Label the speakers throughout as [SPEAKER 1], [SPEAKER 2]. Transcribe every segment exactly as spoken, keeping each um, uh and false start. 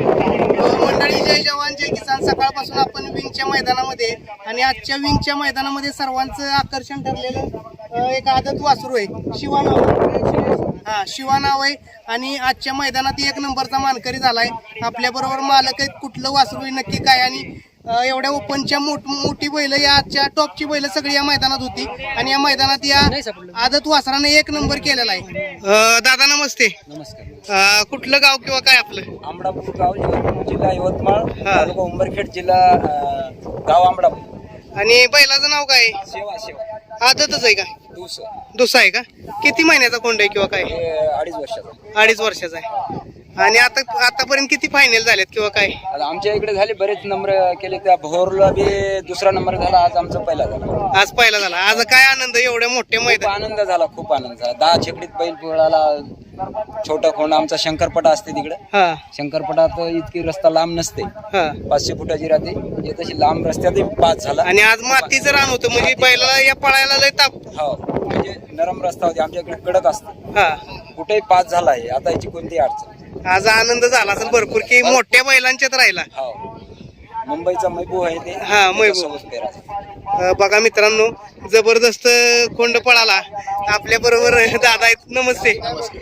[SPEAKER 1] मंडळी, जय जवान जय किसान. सकाळपासून आपण विंगच्या मैदानामध्ये आणि आजच्या विंगच्या मैदानामध्ये सर्वांचं आकर्षण ठरलेलं एक आदत वासरू आहे, शिवा नाव. हा, शिवा नाव आहे आणि आजच्या मैदानात एक नंबरचा मानकरी झालाय. आपल्या बरोबर मालक आहेत. कुठलं वासरू आहे नक्की काय आणि एवढ्या ओपनच्या मोठ मोठी बैल या आजच्या टॉपची बैल सगळी या मैदानात होती आणि या मैदानात या आदत वासराने एक नंबर केलेला आहे. दादा नमस्ते.
[SPEAKER 2] नमस्कार.
[SPEAKER 1] कुठलं गाव किंवा काय आपलं?
[SPEAKER 2] आंबडापूर गाव, जिल्हा यवतमाळ, तालुका उंबरखेड, जिल्हा गाव आंबडापूर.
[SPEAKER 1] आणि बैलाचं नाव काय?
[SPEAKER 2] सेवा सेवा.
[SPEAKER 1] आदतच आहे का?
[SPEAKER 2] दुसरं
[SPEAKER 1] दुसरा आहे का? किती महिन्याचा कोंड आहे किंवा काय?
[SPEAKER 2] अडीच वर्षाचा.
[SPEAKER 1] अडीच वर्षाचा आहे. आणि आता आतापर्यंत किती फायनल झालेत किंवा काय?
[SPEAKER 2] आता आमच्या इकडे झाले बरेच नंबर केले. त्या भोरला बी दुसरा नंबर झाला, आज आमचा पहिला झाला.
[SPEAKER 1] आज पहिला झाला. आज काय आनंद, एवढ्या मोठ्या
[SPEAKER 2] खूप
[SPEAKER 1] मैदान.
[SPEAKER 2] आनंद झाला, खूप आनंद झाला. दहा छकडीत बैल पोळाला. छोटा खोंड आमचा शंकरपटा असते तिकडे.
[SPEAKER 1] हा
[SPEAKER 2] शंकरपटात इतकी रस्ता लांब नसते,
[SPEAKER 1] हा.
[SPEAKER 2] पाचशे फुटाची राहते. हे तशी लांब रस्त्यात पाच झाला.
[SPEAKER 1] आणि आज मातीचं रान होतं म्हणजे बैलाला या पळायला लय ताप.
[SPEAKER 2] हो, म्हणजे नरम रस्ता होते. आमच्या इकडे कडक असतो,
[SPEAKER 1] हा.
[SPEAKER 2] कुठेही पाच झाला आहे. आता याची कोणती अडचण.
[SPEAKER 1] आज आनंद झाला असेल भरपूर की मोठ्या बैलांच्यात राहिला.
[SPEAKER 2] हो, मुंबईचा महबूब आहे ते.
[SPEAKER 1] हा, महबूब. अं, बघा मित्रांनो, जबरदस्त कोंड पळाला. आपल्या बरोबर दादा आहेत. नमस्ते.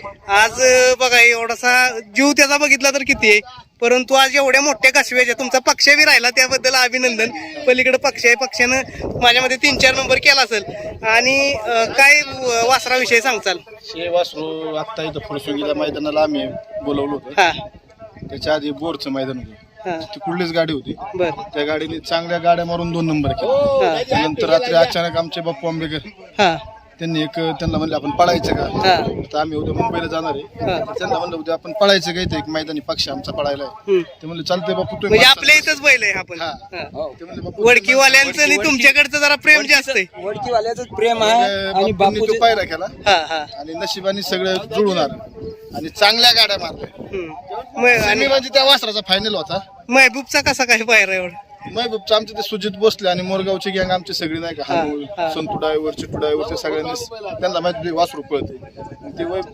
[SPEAKER 1] आज अं, बघा एवढासा जीव त्याचा बघितला तर किती आहे, परंतु आज एवढ्या मोठ्या काशव्याच्या तुमचा पक्ष बी राहिला त्याबद्दल अभिनंदन. पलीकडे पक्ष आहे, पक्षानं माझ्यामध्ये तीन चार नंबर केला असेल. आणि अं, काय वासराविषयी सांगचाल?
[SPEAKER 3] हे वासरू आत्ता इथं फुलसुंगीला मैदानाला आम्ही बोलवलं होतं.
[SPEAKER 1] हा
[SPEAKER 3] त्याच्या आधी बोरचं मैदान होतं.
[SPEAKER 1] हा
[SPEAKER 3] ती कुठलीच गाडी होती.
[SPEAKER 1] बर
[SPEAKER 3] त्या गाडीने चांगल्या गाड्या मारून दोन नंबर केले. नंतर रात्री अचानक आमचे बाप्पू आंबेकर
[SPEAKER 1] हा
[SPEAKER 3] त्यांनी एक त्यांना म्हणले आपण पळायचं का?
[SPEAKER 1] हा
[SPEAKER 3] आता आम्ही उद्या मुंबईला जाणार आहे.
[SPEAKER 1] हा.
[SPEAKER 3] त्यांना म्हणलं उद्या आपण पळायचं का? इथे एक मैदानी पक्ष आमचा पळायला आहे.
[SPEAKER 1] हम्म.
[SPEAKER 3] ते म्हणले चालतंय बापू तुम्ही
[SPEAKER 1] म्हणजे
[SPEAKER 3] माणसं-
[SPEAKER 1] आपल्या इथंच बैल आहे आपण.
[SPEAKER 3] हा.
[SPEAKER 1] हा.
[SPEAKER 3] ते म्हणले बापू
[SPEAKER 1] वडकीवाल्यांचं आणि तुमच्याकडचं जरा प्रेम जास्त आहे.
[SPEAKER 2] वडकीवाल्याच प्रेम आहे आणि
[SPEAKER 3] बापूंनी तो
[SPEAKER 2] बापू
[SPEAKER 3] पायरा केला
[SPEAKER 1] हा हा
[SPEAKER 3] आणि नशिबाने सगळे जुळून आलं आणि चांगल्या गाड्या मारल्या.
[SPEAKER 1] हम्म. मग
[SPEAKER 3] आणि
[SPEAKER 1] आणि
[SPEAKER 3] म्हणजे त्या वासराचा फायनल होता.
[SPEAKER 1] महबूबचा कसा काय पायरा एवढा?
[SPEAKER 3] महबूबचं आमचे ते सुजित भोसले आणि मोरगावची गँग आमची सगळी नाही का,
[SPEAKER 1] हा,
[SPEAKER 3] हानूळ,
[SPEAKER 1] हा.
[SPEAKER 3] संतू डायव्हर, चिट्टू डायव्हर, ते सगळ्यांनी त्यांना माहिती वासरू पळते. ते वै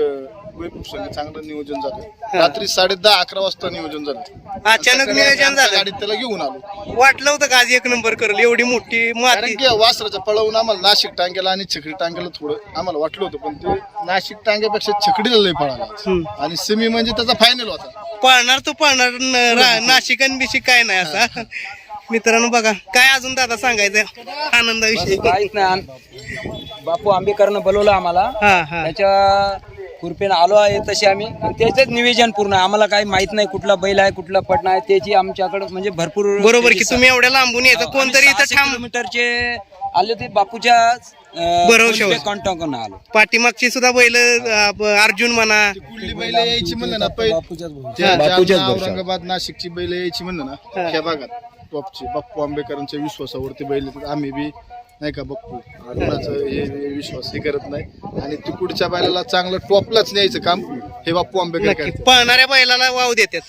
[SPEAKER 3] वैभव संघ चांगलं नियोजन झालं. रात्री साडे दहा अकरा वाजता नियोजन झालं.
[SPEAKER 1] अचानक
[SPEAKER 3] सकाळी
[SPEAKER 1] नियोजन
[SPEAKER 3] आमच्या
[SPEAKER 1] झालं.
[SPEAKER 3] गाडीत त्याला घेऊन आलो.
[SPEAKER 1] वाटलं होतं का आज एक नंबर करेल? एवढी मोठी माती.
[SPEAKER 3] कारण की वासराचं पळवून आम्हाला नाशिक टांग्याला आणि छकडी टांग्याला थोडं आम्हाला वाटलं होतं, पण ते नाशिक टांग्यापेक्षा छकडीला लय पळाला
[SPEAKER 1] हम्म.
[SPEAKER 3] आणि सेमी म्हणजे त्याचा फायनल होता.
[SPEAKER 1] पळणार तो पळणार. न- रा- नाशिक आणि बिशिक काय नाही असा. मित्रांनो बघा काय अजून दादा सांगायचं आनंदाविषयी?
[SPEAKER 2] काहीच नाही. आम- बापू आंबेकरनं बोलवलं आम्हाला.
[SPEAKER 1] हा हा
[SPEAKER 2] त्याच्या कृपेनं आलो आहे तसे आम्ही. त्याचंच नियोजन पूर्ण. आम्हाला काही माहित नाही कुठला बैल आहे कुठला पट नाही. त्याची आमच्याकडे म्हणजे भरपूर.
[SPEAKER 1] बरोबर की तुम्ही एवढ्या लांबून यायचं. कोणतरी इथं थांब.
[SPEAKER 2] किलोमीटरचे आले ते बापूच्या
[SPEAKER 1] भरवशावर.
[SPEAKER 2] कॉन्टॅक्ट करून आलो.
[SPEAKER 1] पाठीमागची सुद्धा बैल अर्जुन म्हणा.
[SPEAKER 3] कुठली बैल यायची म्हणलं ना पै- त्या
[SPEAKER 2] बापूच्याच
[SPEAKER 3] जालना,
[SPEAKER 2] भरवशावर.
[SPEAKER 3] औरंगाबाद, नाशिकची बैल यायची म्हणलं ना ह्या भागात टॉपची बाप्पू आंबेकरांच्या विश्वासावरती बैल येतात. आम्ही बी नाही का बप्पू कोणाचं हे हे विश्वास हे करत नाही आणि तिकडच्या बैलाला चांगलं टॉपलाच न्यायचं काम हे बाप्पू आंबेकर
[SPEAKER 1] नक्की
[SPEAKER 3] करतात.
[SPEAKER 1] पळणाऱ्या बैलाला वाव देतात.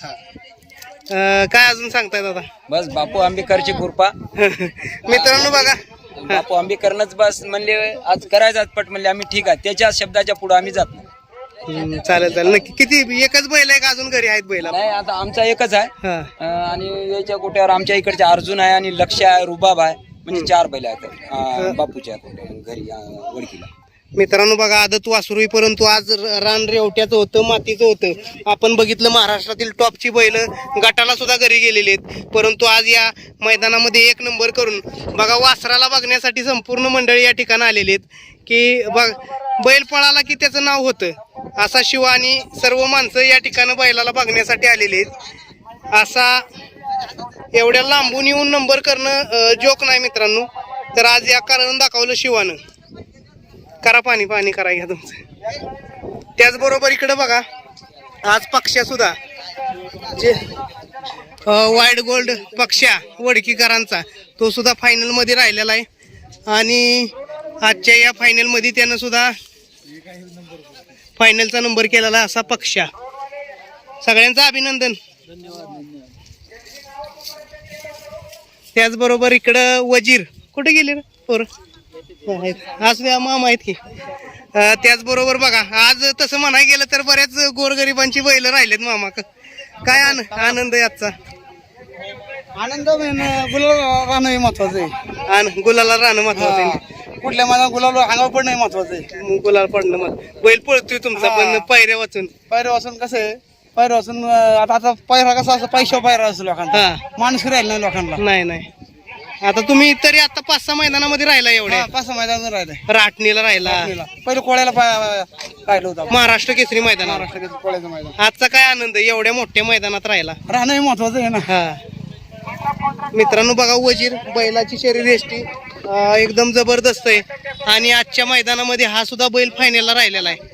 [SPEAKER 1] अं, काय अजून सांगताय दादा?
[SPEAKER 2] बस बापू आंबेकरची कृपा.
[SPEAKER 1] मित्रांनो बघा
[SPEAKER 2] बापू आंबेकरनच बस म्हणले आज करायचं आज पट म्हणले आम्ही ठीक आहे. त्याच्या शब्दाच्या पुढे आम्ही जात नाही.
[SPEAKER 1] हम्म, चालेल चालेल नक्की. किती एकच बैल आहे का अजून घरी आहेत बैल?
[SPEAKER 2] नाही आता आमचा एकच आहे.
[SPEAKER 1] हा
[SPEAKER 2] अं, आणि याच्या कोट्यावर आमच्या इकडचे अर्जुन आहे आणि लक्ष आहे, रुबाब आहे. म्हणजे चार बैल आहेत अं, बापूच्या कोट्यावर घरी अं, वडकीला.
[SPEAKER 1] मित्रांनो बघा आदत वासरू आहे, परंतु आज र- रान रेवट्याचं होतं, मातीचं होतं. आपण बघितलं महाराष्ट्रातील टॉपची बैल गटाला सुद्धा घरी गेलेली आहेत, परंतु आज या मैदानामध्ये एक नंबर करून बघा वासराला बघण्यासाठी संपूर्ण मंडळी या ठिकाणी आलेली आहेत. की बघ बैल पळाला की त्याचं नाव होतं असा शिवा आणि सर्व माणसं या ठिकाणी बैलाला बघण्यासाठी आलेली आहेत. असा एवढ्या लांबून येऊन नंबर करणं जोक नाही मित्रांनो. तर आज या कारण दाखवलं शिवानं. करा पाणी पाणी करा घ्या तुमचं. त्याचबरोबर इकडे बघा आज पक्ष्या सुद्धा जे वाईट गोल्ड पक्ष्या वडकीकरांचा तो सुद्धा फायनल मध्ये राहिलेला आहे आणि आजच्या या फायनल मध्ये त्यानं सुद्धा फायनलचा नंबर केलेला असा पक्ष्या. सगळ्यांचं अभिनंदन. त्याचबरोबर इकडं वजीर कुठे गेले रे पोर? आज मामा आहेत की. त्याचबरोबर बघा आज तसं म्हणायला गेलं तर बऱ्याच गोरगरिबांची बैल राहिलेत मामा. काय आन- आनंद आहे आजचा?
[SPEAKER 4] आनंद गुलाल राहणं हे महत्वाचं आहे.
[SPEAKER 1] आन गुलाला राहणं महत्वाचं आहे.
[SPEAKER 4] हा. कुठल्या माझा गुलाल अंगावर पडणं हे महत्वाचं आहे.
[SPEAKER 1] गुलाल पडणं मग बैल पळतोय तुमचा पण
[SPEAKER 4] हा.
[SPEAKER 1] पायऱ्या वाचून.
[SPEAKER 4] पायऱ्या वाचून कसं आहे, पायऱ्या वाचून अं, आता आता पायरा कसा असं पैशावर पायरा असतो लोकांना,
[SPEAKER 1] हा
[SPEAKER 4] माणूस राहिला नाही लोकांना.
[SPEAKER 1] नाही नाही आता तुम्ही तरी आता पाच सहा मैदानामध्ये राहिला एवढ्या
[SPEAKER 4] हा, पाच सहा मैदान राहिलंय.
[SPEAKER 1] राटणीला राहिला
[SPEAKER 4] पहिले कोळ्याला पाय- राहिलं होतं आपण.
[SPEAKER 1] महाराष्ट्र केसरी मैदानात
[SPEAKER 4] महाराष्ट्र केसरी कोळ्याचं मैदान.
[SPEAKER 1] आजचा काय आनंद आहे एवढ्या मोठ्या मैदानात राहिला.
[SPEAKER 4] राहणं हे महत्वाचं आहे ना.
[SPEAKER 1] हा मित्रांनो बघा वजीर बैलाची शरीर यष्टी अं, एकदम जबरदस्त आहे आणि आजच्या मैदानामध्ये हा सुद्धा बैल फायनलला राहिलेला आहे.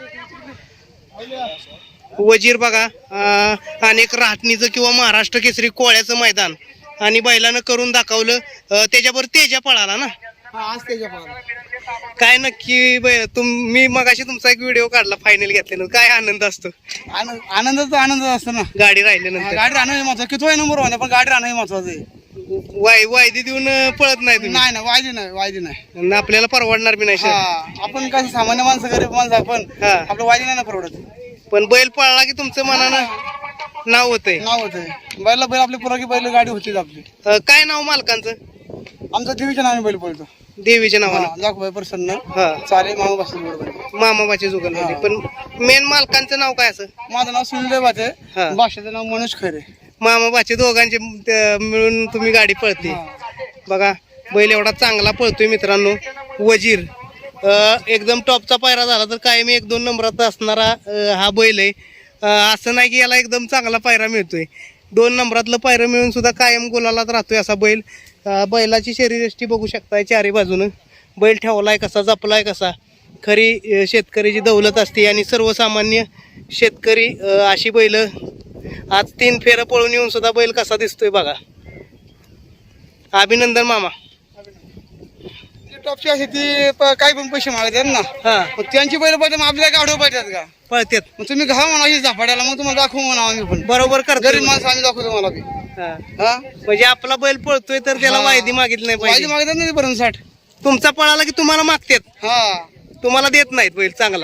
[SPEAKER 1] वजीर बघा अं, अनेक राहटणीचं किंवा महाराष्ट्र केसरी कोळ्याचं मैदान आणि बैलानं करून दाखवलं. अं, त्याच्यावर तेजा पळाला ना.
[SPEAKER 4] हा, आज त्याच्या पायाला.
[SPEAKER 1] काय नक्की बै- तुम मी मगाशी तुमचा एक व्हिडिओ काढला फायनल घेतल्यानंतर काय आनंद असतो
[SPEAKER 4] आनंद आनंदाचा आनंद असतो ना.
[SPEAKER 1] गाडी
[SPEAKER 4] हा,
[SPEAKER 1] राहिल्यानंतर.
[SPEAKER 4] गाडी राहणं हे महत्वाचं. किती नंबर होणे पण गाडी राहणं हे महत्वाचं आहे.
[SPEAKER 1] वाय वायदी देऊन अं, पळत नाही तुम्ही
[SPEAKER 4] नाही ना, वायदी नाही, वायदी नाही.
[SPEAKER 1] आणि आपल्याला परवडणार बी नाही
[SPEAKER 4] हा,
[SPEAKER 1] शे-
[SPEAKER 4] आपण कसं सामान्य माणसं गरीब माणसं आपण
[SPEAKER 1] हा.
[SPEAKER 4] आपलं वायदी नाही ना परवडत.
[SPEAKER 1] पण बैल पळला की तुमचं मनानं नाव होतंय.
[SPEAKER 4] नाव होतं बैला बैल आपली पुरकी बैल गाडी होतीच आपली.
[SPEAKER 1] अं, काय नाव मालकांचं?
[SPEAKER 4] आमचा देवीच्या नावाने बैल पळतो.
[SPEAKER 1] देवीच्या नावानं.
[SPEAKER 4] दाखवाय प्रसन्न
[SPEAKER 1] हा
[SPEAKER 4] चालेल मामा बसून बरोबर.
[SPEAKER 1] मामाबाची जुगलमध्ये. पण मेन मालकांचं नाव काय असं?
[SPEAKER 4] माझं नाव सुनील बाचे,
[SPEAKER 1] हा.
[SPEAKER 4] भाषेचं नाव मनोज खैरे.
[SPEAKER 1] मामाबाचे दोघांचे त- मिळून तुम्ही गाडी पळते.
[SPEAKER 4] हा.
[SPEAKER 1] बघा बैल एवढा चांगला पळतोय मित्रांनो वजीर. अं, एकदम टॉपचा पायरा झाला तर कायम एक दोन नंबरात असणारा अं, हा बैल आहे. अं, असं नाही की याला एकदम चांगला पायरा मिळतोय. दोन नंबरातलं पायरं मिळून सुद्धा कायम गोलालाच राहतोय असा बैल. अं, बैलाची शरीरयष्टी बघू शकताय चारी बाजूनं. बैल ठेवलाय कसा, जपलाय कसा. खरी अं, शेतकऱ्याची दौलत असते आणि सर्वसामान्य शेतकरी अं, अशी बैल आज तीन फेरं पळून येऊन सुद्धा बैल कसा दिसतोय बघा. अभिनंदन मामा.
[SPEAKER 4] टॉपची अशी ती प- काही पण पैसे मागतात ना,
[SPEAKER 1] हा
[SPEAKER 4] मग त्यांची बैल पाहिजे मग आपल्या गाडव पाहिजेत का?
[SPEAKER 1] पळतेत
[SPEAKER 4] मग तुम्ही घा म्हणा अशी झापाड्याला, मग तुम्हाला दाखवू म्हणा आम्ही पण.
[SPEAKER 1] बरोबर
[SPEAKER 4] गरीब
[SPEAKER 1] करतो.
[SPEAKER 4] माणसं आम्ही दाखवतो तुम्हाला बी. हा,
[SPEAKER 1] म्हणजे आपला बैल पळतोय तर त्याला
[SPEAKER 4] हा.
[SPEAKER 1] वायदी मागितली नाही
[SPEAKER 4] वायदी
[SPEAKER 1] पाहिजे.
[SPEAKER 4] मागतात ना पर्यंत साठ.
[SPEAKER 1] तुमचा पळाला की तुम्हाला मागतात,
[SPEAKER 4] हा,
[SPEAKER 1] तुम्हाला देत नाहीत बैल चांगला.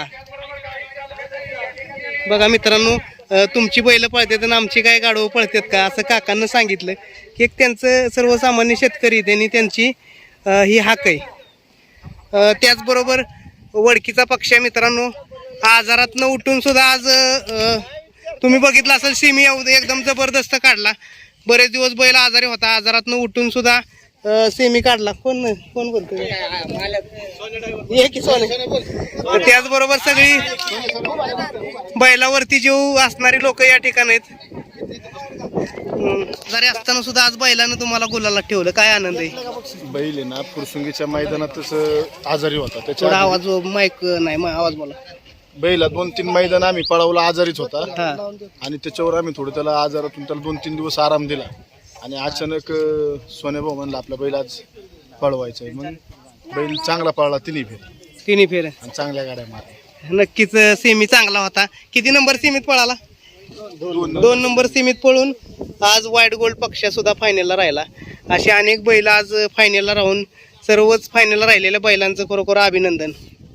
[SPEAKER 1] बघा मित्रांनो अं, तुमची बैल पळतात आणि आमची काय गाडवं पळतात का असं काकांना सांगितलं की एक त्यांचं सर्वसामान्य शेतकरी त्यांनी त्यांची अं, ही हाक आहे. अं, त्याचबरोबर वडकीचा पक्ष आहे मित्रांनो. आजारातनं उठून सुद्धा आज अं, तुम्ही बघितलं असेल सिमी एकदम जबरदस्त काढला. बरेच दिवस बैल आजारी होता, आजारातनं उठून सुद्धा अं, सेमी काढला. कोण कोण बोलतोय? ये की सोने. तर त्याचबरोबर सगळी बैलावरती जीव असणारी लोक या ठिकाणी आहेत. हम्म. जरी असताना सुद्धा आज बैलानं तुम्हाला गुलाला ठेवलं, काय आनंद आहे.
[SPEAKER 3] बैल आहे ना फुरसुंगीच्या मैदानातच आजारी होता.
[SPEAKER 1] थोडा
[SPEAKER 3] त्याच्या
[SPEAKER 1] आवाज माईक नाही मा- आवाज बोला.
[SPEAKER 3] बैला दोन तीन मैदान आम्ही पळवला, आजारीच होता.
[SPEAKER 1] हा
[SPEAKER 3] आणि त्याच्यावर आम्ही थोडं त्याला आजारातून त्याला दोन तीन दिवस आराम दिला. आणि अचानक अं, सोन्याभाऊ म्हणला आपला बैल आज पळवायचा आहे. मग बैल चांगला पळला तिन्ही फेर
[SPEAKER 1] तिन्ही फेर
[SPEAKER 3] आणि चांगल्या गाड्या मारल्या.
[SPEAKER 1] नक्कीच सेमी चांगला होता. किती नंबर सीमित पळाला?
[SPEAKER 3] दोन
[SPEAKER 1] दोन नंबर सीमित पळून आज व्हाईट गोल्ड पक्ष सुद्धा फायनलला राहिला. असे अनेक बैल आज फायनलला राहून सर्वच फायनलला राहिलेल्या बैलांचं खरोखर अभिनंदन.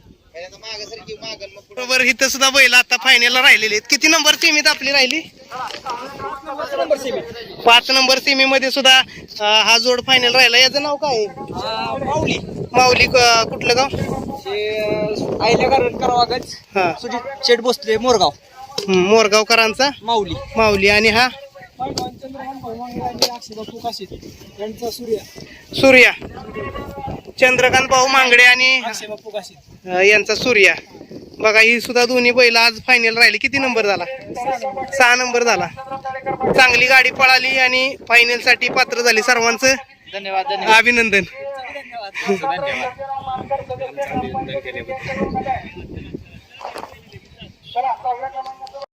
[SPEAKER 1] बरोबर इथं सुद्धा बैल आता फायनलला राहिलेले आहेत. किती नंबर सीमित आपली राहिली? पाच नंबर सीमी मध्ये सुद्धा अं, हा जोड फायनल राहिला. याचं नाव काय आहे?
[SPEAKER 4] माऊली
[SPEAKER 1] माऊली क- कुठलं गाव?
[SPEAKER 4] आईल्या करावागच
[SPEAKER 1] हा
[SPEAKER 4] सुजित शेठ बसले मोरगाव.
[SPEAKER 1] हम्म, मोरगावकरांचा
[SPEAKER 4] माऊली
[SPEAKER 1] माऊली. आणि हा
[SPEAKER 4] यांचा सूर्य
[SPEAKER 1] सूर्या. चंद्रकांत भाऊ मांगडे आणि
[SPEAKER 4] बापू काशीत.
[SPEAKER 1] अं, यांचा सूर्या. बघा ही सुद्धा दोन्ही बैल आज फायनल राहिली. किती नंबर झाला? सहा नंबर झाला. चांगली गाडी पळाली आणि फायनल साठी पात्र झाली. सर्वांचं
[SPEAKER 4] धन्यवाद.
[SPEAKER 1] अभिनंदन.
[SPEAKER 4] धन्यवाद.